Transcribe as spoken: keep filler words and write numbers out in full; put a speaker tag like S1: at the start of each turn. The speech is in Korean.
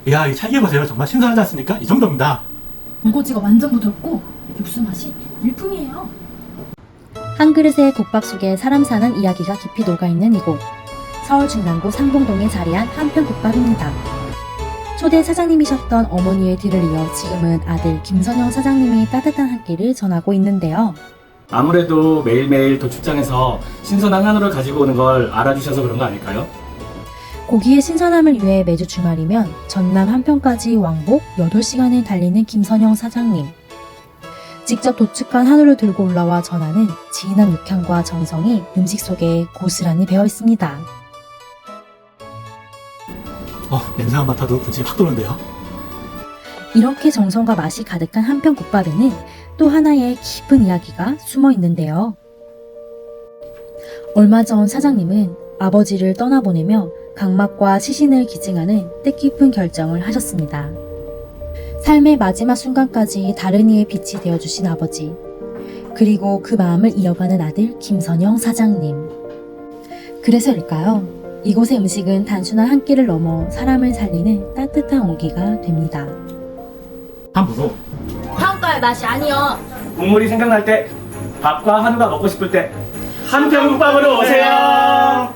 S1: 이야, 이 찰기 보세요. 정말 신선하지 않습니까? 이 정도입니다.
S2: 군고지가 완전 부드럽고 육수 맛이 일품이에요.
S3: 한 그릇의 국밥 속에 사람 사는 이야기가 깊이 녹아있는 이곳. 서울 중랑구 상봉동에 자리한 한편국밥입니다. 초대 사장님이셨던 어머니의 뒤를 이어 지금은 아들 김선영 사장님이 따뜻한 한 끼를 전하고 있는데요.
S4: 아무래도 매일매일 도축장에서 신선한 한우를 가지고 오는 걸 알아주셔서 그런 거 아닐까요?
S3: 고기의 신선함을 위해 매주 주말이면 전남 한편까지 왕복 여덟 시간을 달리는 김선영 사장님. 직접 도축한 한우를 들고 올라와 전하는 진한 육향과 정성이 음식 속에 고스란히 배어 있습니다.
S1: 어, 냄새만 맡아도 군침이 확 도는데요.
S3: 이렇게 정성과 맛이 가득한 한편국밥에는 또 하나의 깊은 이야기가 숨어 있는데요. 얼마 전 사장님은 아버지를 떠나보내며 각막과 시신을 기증하는 뜻깊은 결정을 하셨습니다. 삶의 마지막 순간까지 다른 이의 빛이 되어주신 아버지, 그리고 그 마음을 이어가는 아들 김선영 사장님. 그래서일까요? 이곳의 음식은 단순한 한 끼를 넘어 사람을 살리는 따뜻한 온기가 됩니다.
S1: 함부로
S2: 평가의 맛이 아니여.
S4: 국물이 생각날 때, 밥과 한우가 먹고 싶을 때 한편국밥으로 오세요.